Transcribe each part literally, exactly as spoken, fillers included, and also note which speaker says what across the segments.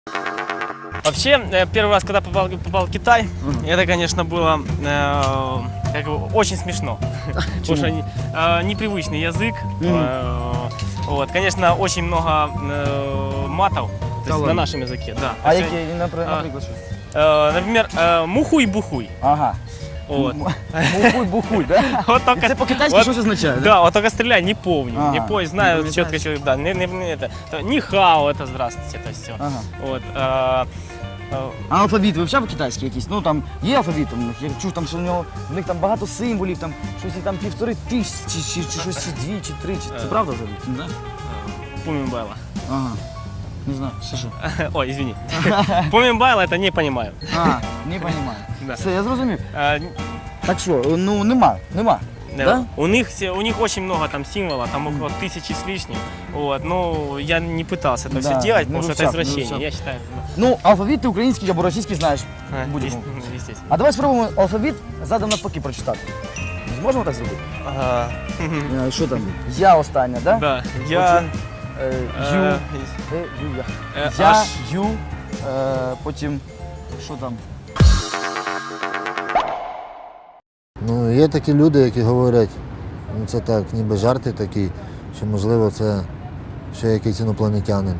Speaker 1: Вообще, э, первый раз, когда попал, попал в Китай, uh-huh. это, конечно, было э, как бы, очень смешно. Потому что э, непривычный язык. Uh-huh. Э, вот, конечно, очень много э, матов то есть, на нашем языке. Да.
Speaker 2: А какие, например,
Speaker 1: э, Например, э, мухуй-бухуй.
Speaker 2: Ага.
Speaker 1: Вот.
Speaker 2: Мухуй-бухуй, да?
Speaker 1: Вот только,
Speaker 2: это по-китайски
Speaker 1: вот,
Speaker 2: что означает?
Speaker 1: Да, да, вот только стреляй, не помню,
Speaker 2: ага.
Speaker 1: не помню, знаю не четко, что, да, не, не, не, это, не хао, это здравствуйте, это все. Ага. Вот, а,
Speaker 2: а, а алфавіт вивчав китайський якийсь? Ну там є алфавіт, я чув там, що в нього в них там багато символів, там щось і там півтори тисячі, чи, чи, чи щось, чи дві, чи три, чи це правда взагалі? Не знаю?
Speaker 1: Помимбайла.
Speaker 2: Ага. Не знаю, все що?
Speaker 1: Ой, извини. Помимбайла, это не понимаю.
Speaker 2: А, не понимаю.
Speaker 1: Да.
Speaker 2: Все, я зрозумів.
Speaker 1: А,
Speaker 2: так що, ну нема, нема.
Speaker 1: Да.
Speaker 2: Да?
Speaker 1: У них, у них очень много там символов, там около тысячи с лишним. Вот, но я не пытался это да, все делать, потому что это извращение, я считаю. Да.
Speaker 2: Ну, алфавіт ти український або російський знаєш.
Speaker 1: А, естественно.
Speaker 2: А давай спробуємо алфавіт задом навпаки прочитати. Зможемо так зробити?
Speaker 1: Ага.
Speaker 2: Що там? Я остання, да?
Speaker 1: Да. Я...
Speaker 2: Е, ю, е, ю, я. Я, ю, е, потім, що там?
Speaker 3: Ну, є такі люди, які говорять, ну це так, ніби жарти такі, що можливо це ще якийсь інопланетянин.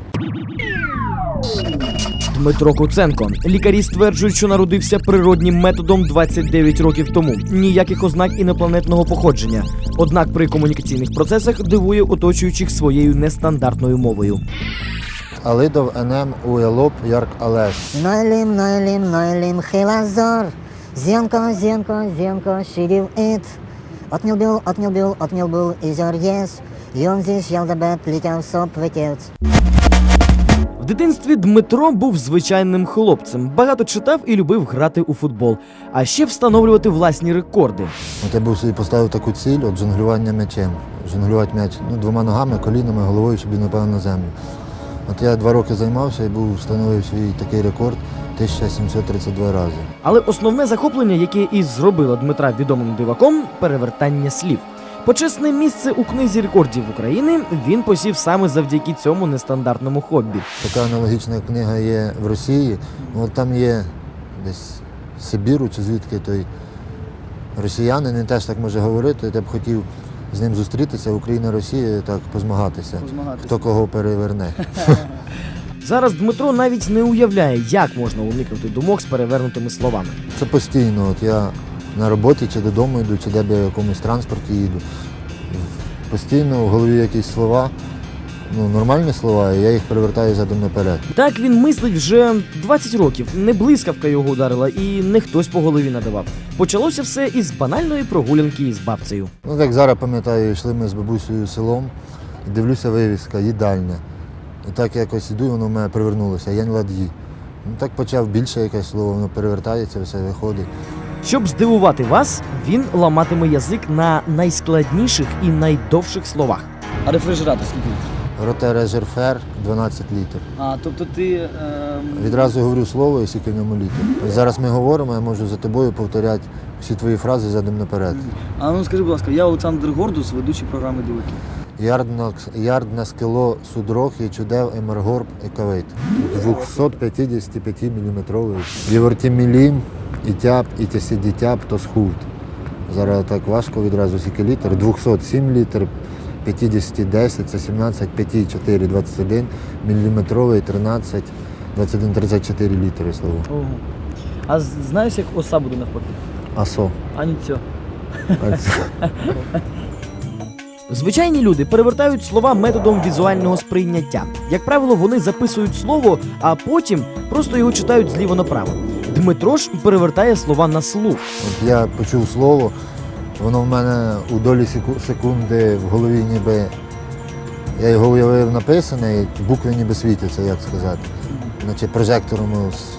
Speaker 4: Дмитро Куценко. Лікарі стверджують, що народився природнім методом двадцять дев'ять років тому. Ніяких ознак інопланетного походження. Однак при комунікаційних процесах дивує оточуючих своєю нестандартною мовою.
Speaker 3: Алидов енем уелоп ярк алеш.
Speaker 5: Нойлим, нойлим, нойлим, хилазор. Зенко, зенко, зенко, шидив ит. Отнюбил, отнюбил, отнюбил, изор ес. Йон зіш ялдабет, літяв соп, ветєвц.
Speaker 4: В дитинстві Дмитро був звичайним хлопцем. Багато читав і любив грати у футбол. А ще встановлювати власні рекорди.
Speaker 3: От я був собі поставив таку ціль, от жонглювання м'ячем. Жонглювати м'яч ну, двома ногами, колінами, головою, щоб він напав на землю. От я два роки займався і був встановив свій такий рекорд тисяча сімсот тридцять два рази.
Speaker 4: Але основне захоплення, яке і зробило Дмитра відомим диваком – перевертання слів. Почесне місце у книзі рекордів України він посів саме завдяки цьому нестандартному хобі.
Speaker 3: Така аналогічна книга є в Росії. От там є десь з Сибіру чи звідки той росіянин, він теж так може говорити. Я б хотів з ним зустрітися, Україна, Росія, так позмагатися, позмагатися. Хто кого переверне.
Speaker 4: Зараз Дмитро навіть не уявляє, як можна уникнути думок з перевернутими словами.
Speaker 3: Це постійно. От я на роботі чи додому йду, чи де б я в якомусь транспорті їду. Постійно в голові якісь слова, ну, нормальні слова, і я їх перевертаю задом наперед.
Speaker 4: Так він мислить вже двадцять років. Не блискавка його ударила і не хтось по голові надавав. Почалося все із банальної прогулянки із бабцею.
Speaker 3: Ну, так зараз пам'ятаю, йшли ми з бабусею селом, і дивлюся вивіска, їдальня. І так якось іду, і воно в мене привернулося, Янь Лад'ї. Ну, так почав більше якесь слово, воно перевертається, все виходить.
Speaker 4: Щоб здивувати вас, він ламатиме язик на найскладніших і найдовших словах.
Speaker 2: А рефрижератор скільки літрів?
Speaker 3: Ротережерфер дванадцять літрів.
Speaker 2: А, тобто ти... Е...
Speaker 3: Відразу говорю слово і скільки в ньому літрів. Зараз ми говоримо, я можу за тобою повторяти всі твої фрази задом наперед.
Speaker 2: А ну скажи, будь ласка, я Олександр Гордус, ведучий програми «Дивики».
Speaker 3: Ярдна скило судрох і чудев емергорб екавейт. двісті п'ятдесят п'ять міліметровий. Євортімілім, і тяп, і тясідітяп, то схуд. Зараз так важко відразу скільки літр. двісті сім літр, п'ятдесят десять, це сімнадцять, п'ять чотири, двадцять один, міліметровий, тринадцять, двадцять один, тридцять чотири літри слово.
Speaker 2: Ого. А знаєш, як оса буде навпаки?
Speaker 3: Асо.
Speaker 2: А не цьо.
Speaker 4: Звичайні люди перевертають слова методом візуального сприйняття. Як правило, вони записують слово, а потім просто його читають зліво направо. Дмитро ж перевертає слова на слух.
Speaker 3: От я почув слово, воно в мене у долі секунди в голові ніби, я його уявив написане, і букви ніби світяться, як сказати. Наче прожектором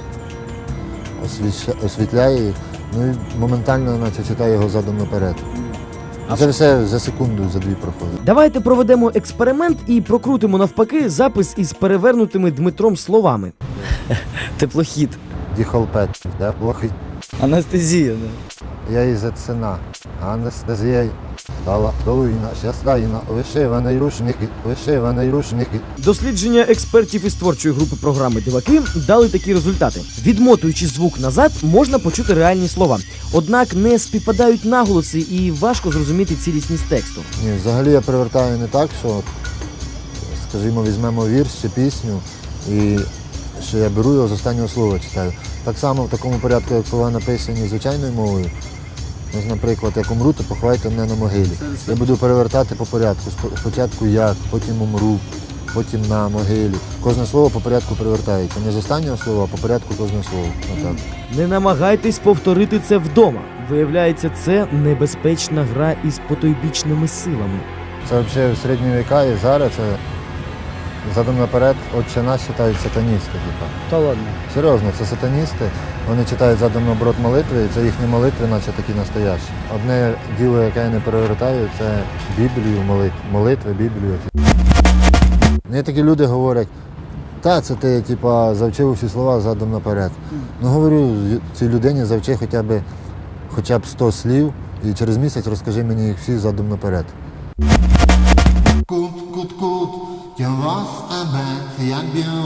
Speaker 3: освітляє їх, ну і моментально наче читаю його задом наперед. А це все за секунду, за дві проходить.
Speaker 4: Давайте проведемо експеримент і прокрутимо навпаки запис із перевернутими Дмитром словами.
Speaker 2: Теплохід.
Speaker 3: Діхолпет, да, плохий.
Speaker 2: Анестезія, да.
Speaker 3: Я із ціна. Анестезія Стала долина, щаслайна, вишиваний рушники, вишиваний рушники.
Speaker 4: Дослідження експертів із творчої групи програми «Диваки» дали такі результати. Відмотуючи звук назад, можна почути реальні слова. Однак не співпадають наголоси і важко зрозуміти цілісність тексту.
Speaker 3: Ні, взагалі я привертаю не так, що, скажімо, візьмемо вірш чи пісню, і що я беру його з останнього слова читаю. Так само в такому порядку, як слова написані звичайною мовою. Ось, наприклад, як умру, то поховайте мене на могилі. Я буду перевертати по порядку. Спо- Спочатку як, потім умру, потім на могилі. Кожне слово по порядку перевертається. Не з останнього слова, а по порядку кожне слово. Отак.
Speaker 4: Не намагайтесь повторити це вдома. Виявляється, це небезпечна гра із потойбічними силами.
Speaker 3: Це взагалі в середні віка і зараз це задом наперед, отче наш читають сатаністи. Типа.
Speaker 2: Та ладно.
Speaker 3: Серйозно, це сатаністи. Вони читають задом наоборот молитви, і це їхні молитви, наче такі настоящі. Одне діло, яке я не перевертаю, це Біблію, молитви, молитви, Біблію. Мені такі люди говорять, та це ти типа, завчив усі слова задом наперед. Ну говорю, цій людині завчи хоча б, хоча б сто слів, і через місяць розкажи мені їх всі задом наперед.
Speaker 6: Кут, кут, кут, я вас тебе, як б'ю